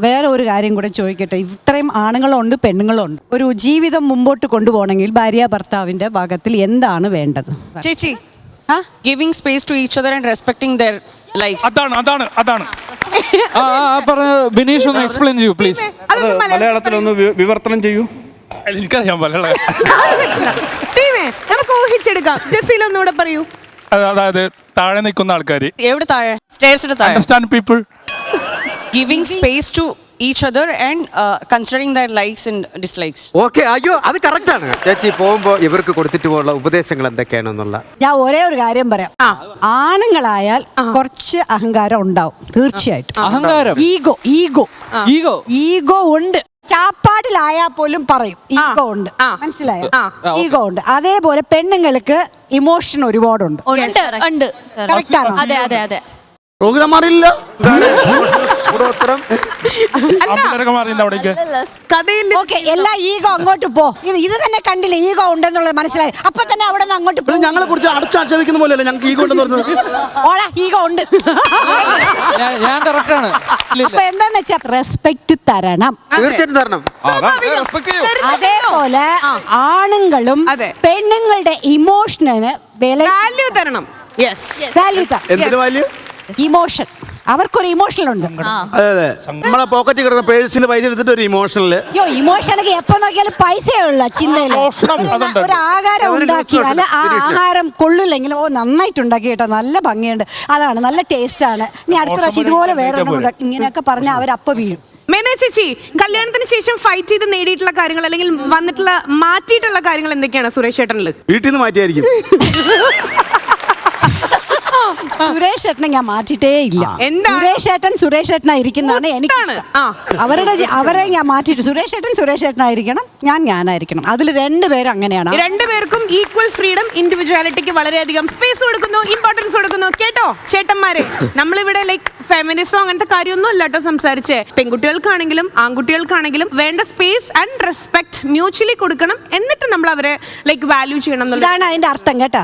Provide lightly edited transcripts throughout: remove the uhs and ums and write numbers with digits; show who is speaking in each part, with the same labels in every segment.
Speaker 1: വേറെ ഒരു കാര്യം കൂടെ ചോദിക്കട്ടെ. ഇത്രയും ആണുങ്ങളുണ്ട് പെണ്ണുങ്ങളുണ്ട്. ഒരു ജീവിതം മുമ്പോട്ട് കൊണ്ടുപോകണമെങ്കിൽ ഭാര്യ ഭർത്താവിന്റെ ഭാഗത്തിൽ എന്താണ് വേണ്ടത്?
Speaker 2: ചേച്ചി, giving space to each other and respecting their lifes.
Speaker 3: അതാണ്
Speaker 4: ബിനീഷ് ഒന്ന് എക്സ്പ്ലെയിൻ ചെയ്യൂ പ്ലീസ്.
Speaker 3: മലയാളത്തിലൊന്ന് വിവർത്തനം ചെയ്യൂ. എനിക്കറിയാം മലയാളം.
Speaker 5: നമുക്ക് ഊഹിച്ചെടുക്കാം. ജസീൽ ഒന്നുകൂടെ പറയൂ.
Speaker 3: അതായത് താഴെ നിൽക്കുന്ന ആൾക്കാർ
Speaker 2: എവിടെ താഴെ? സ്റ്റെയർസിന്റെ താഴെ.
Speaker 3: Understand people.
Speaker 2: Giving space to each other and considering their likes and dislikes.
Speaker 6: Okay, അയ്യോ അത് കറക്റ്റ് ആണ് ചേച്ചി. പോകുമ്പോ ഇവർക്ക് കൊടുത്തിട്ട് പോലുള്ള ഉപദേശങ്ങൾ എന്തൊക്കെയാണെന്നുള്ള
Speaker 1: ഞാൻ ഒരേ ഒരു കാര്യം പറയാം. ആണുങ്ങളായാൽ കുറച്ച് അഹങ്കാരം ഉണ്ടാവും തീർച്ചയായിട്ടും.
Speaker 4: അഹങ്കാരം,
Speaker 1: ഈഗോ ഉണ്ട്. ചാപ്പാടിലായാൽ പോലും പറയും ഈഗോ ഉണ്ട്. മനസ്സിലായോ? ഈഗോ ഉണ്ട്. അതേപോലെ പെണ്ണുങ്ങൾക്ക് ഇമോഷൻ ഒരുപാടുണ്ട്. Correct ആണോ?
Speaker 7: അതെ.
Speaker 8: പ്രോഗ്രാം മാറിയില്ല.
Speaker 1: ഓക്കെ, എല്ലാ ഈഗോ അങ്ങോട്ട് പോ. ഇത് തന്നെ കണ്ടില്ലേ ഈഗോ ഉണ്ടെന്നുള്ളത് മനസ്സിലായി. അപ്പൊ തന്നെ അവിടെ നിന്ന് അങ്ങോട്ട് പോ.
Speaker 8: ഞങ്ങളെ കുറിച്ച് അടച്ചാക്ഷേപിക്കുന്ന പോലെയല്ലേ ഞങ്ങൾക്ക് ഈഗോ ഉണ്ടെന്ന് പറഞ്ഞത്.
Speaker 1: ഓടാ, ഈഗോ ഉണ്ട്.
Speaker 4: ഞാൻ കറക്റ്റ് ആണ്.
Speaker 1: അപ്പൊ എന്താന്ന് വെച്ചാ റെസ്പെക്ട് തരണം.
Speaker 6: തീർച്ചയായിട്ടും തരണം.
Speaker 1: അതേപോലെ ആണുങ്ങളും പെണ്ണുങ്ങളുടെ ഇമോഷന്
Speaker 5: വാല്യൂ തരണം.
Speaker 8: എന്തിനു വാല്യൂ?
Speaker 1: ഇമോഷൻ. അവർക്കൊരു ഇമോഷൻ ഉണ്ട്.
Speaker 8: അതെ, നമ്മളെ പോക്കറ്റിൽ കിടക്കുന്ന പേഴ്സിൽ പൈസ എടുത്തിട്ട് ഒരു ഇമോഷനില്.
Speaker 1: ഇമോഷനൊക്കെ എപ്പോ നോക്കിയാലും പൈസയുള്ള ചിന്തയില് ഒരു ആഹാരം ഉണ്ടാക്കിയാൽ ആ ആഹാരം കൊള്ളില്ലെങ്കിൽ നന്നായിട്ട് ഉണ്ടാക്കി കേട്ടോ, നല്ല ഭംഗിയുണ്ട്, അതാണ് നല്ല ടേസ്റ്റ് ആണ്, ഇനി അടുത്ത പ്രാവശ്യം ഇതുപോലെ വേറെ ഇങ്ങനെയൊക്കെ പറഞ്ഞാൽ അവരപ്പ വീഴും.
Speaker 5: മേന ചേച്ചി, കല്യാണത്തിന് ശേഷം ഫൈറ്റ് ചെയ്ത് നേടിയിട്ടുള്ള കാര്യങ്ങൾ അല്ലെങ്കിൽ വന്നിട്ടുള്ള മാറ്റിയിട്ടുള്ള കാര്യങ്ങൾ എന്തൊക്കെയാണ് സുരേഷ് ചേട്ടനില്?
Speaker 8: വീട്ടിൽ നിന്ന് മാറ്റിയായിരിക്കും.
Speaker 1: സുരേഷ് ചേട്ടനെ ഞാൻ മാറ്റിയിട്ടേ ഇല്ല. സുരേഷ് ചേട്ടനായിരിക്കുന്നതാണ് എനിക്ക്. അവരെ ഞാൻ മാറ്റിയിട്ട് സുരേഷ് ചേട്ടനായിരിക്കണം, ഞാനായിരിക്കണം. അതിൽ രണ്ടുപേരും അങ്ങനെയാണ്.
Speaker 5: രണ്ടുപേർക്കും ഈക്വൽ ഫ്രീഡം, ഇൻഡിവിജ്വാലിറ്റിക്ക് വളരെയധികം സ്പേസ് കൊടുക്കുന്നു, ഇമ്പോർട്ടൻസ് കൊടുക്കുന്നു. കേട്ടോ ചേട്ടന്മാരെ, നമ്മളിവിടെ ലൈക്ക് ഫെമിനിസം അങ്ങനത്തെ കാര്യമൊന്നും അല്ല കേട്ടോ സംസാരിച്ചേ. പെൺകുട്ടികൾക്കാണെങ്കിലും ആൺകുട്ടികൾക്കാണെങ്കിലും വേണ്ട സ്പേസ് ആൻഡ് റെസ്പെക്ട് മ്യൂച്വലി കൊടുക്കണം. എന്നിട്ട് നമ്മൾ അവരെ ലൈക്ക് വാല്യൂ ചെയ്യണം.
Speaker 1: ഇതാണ് അതിന്റെ അർത്ഥം കേട്ടാ.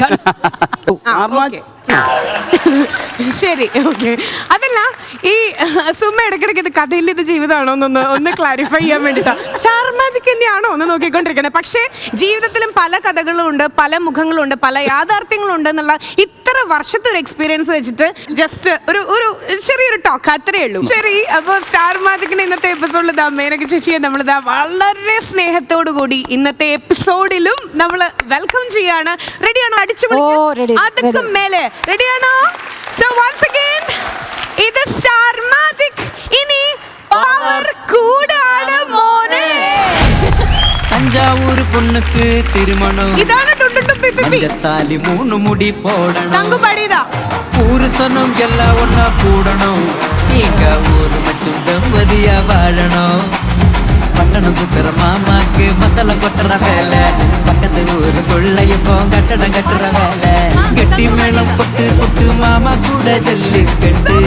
Speaker 5: ശരി, ഓക്കെ. അതല്ല, ഈ സുമ ഇടയ്ക്കിടയ്ക്ക് ഇത് കഥയിൽ ഇത് ജീവിതമാണോ ഒന്ന് ക്ലാരിഫൈ ചെയ്യാൻ വേണ്ടിട്ടാ. സ്റ്റാർ മാജിക് തന്നെയാണോ ഒന്ന് നോക്കിക്കൊണ്ടിരിക്കണേ. പക്ഷേ ജീവിതത്തിലും പല കഥകളും ഉണ്ട്, പല മുഖങ്ങളും ഉണ്ട്, പല യാഥാർത്ഥ്യങ്ങളും ഉണ്ട് എന്നുള്ള ഇത്ര വർഷത്തെ ഒരു എക്സ്പീരിയൻസ് വെച്ചിട്ട് ജസ്റ്റ് ഒരു ചെറിയൊരു ടോക്ക് അത്രേ ഉള്ളൂ. ശരി, അപ്പൊ സ്റ്റാർ മാജിക്കിന്റെ ഇന്നത്തെ എപ്പിസോഡിൽ മേനക ചേച്ചിയെ നമ്മളിതാ വളരെ സ്നേഹത്തോടു കൂടി ഇന്നത്തെ എപ്പിസോഡിലും നമ്മൾ വെൽക്കം ചെയ്യാണ്. റെഡിയാണോ? അടിച്ചു അതൊക്കെ മേലെ റെഡിയാണോ? സോ വൺസ് അഗൈൻ ഇത് സ്റ്റാർ മാജിക്. ഇനി പവർ കൂടാണ് മോനെ.
Speaker 9: தஞ்சாவூர் பொண்ணுக்கு திருமணம்,
Speaker 5: ഇതാണ്
Speaker 9: மஞ்சத்தாலி 3 முடி போடணும்,
Speaker 5: തങ്കുപടിതാ
Speaker 9: புருஷனும் எல்லாம் ஒன்னா கூடணும், நீங்க ஒரு மச்சும் தம்பதியா வாழணும். பட்டணம் சுத்துற மாமாக்கு மத்தல கொட்டுற வேலை, பக்கத்து ஊரு கொள்ளையப்போ கட்டடம் கட்டுற வேலை, கெட்டி மேளம் பொட்டு பொட்டு மாமா கூட ஜல்லிக்கட்டு,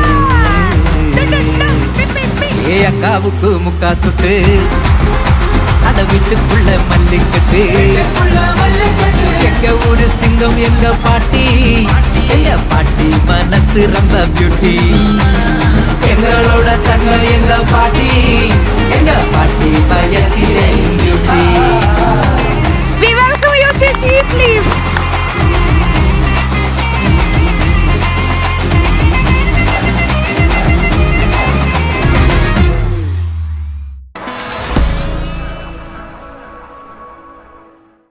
Speaker 9: ஏ அக்காவுக்கு முக்கா தொட்டு அத வீட்டுக்குள்ள மல்லிக்கட்டு, எங்க ஊரு சிங்கம் எங்க பாட்டி மனசு ரொம்ப பியூட்டி, எங்களோட தங்கம் எங்க பாட்டி வயசிலே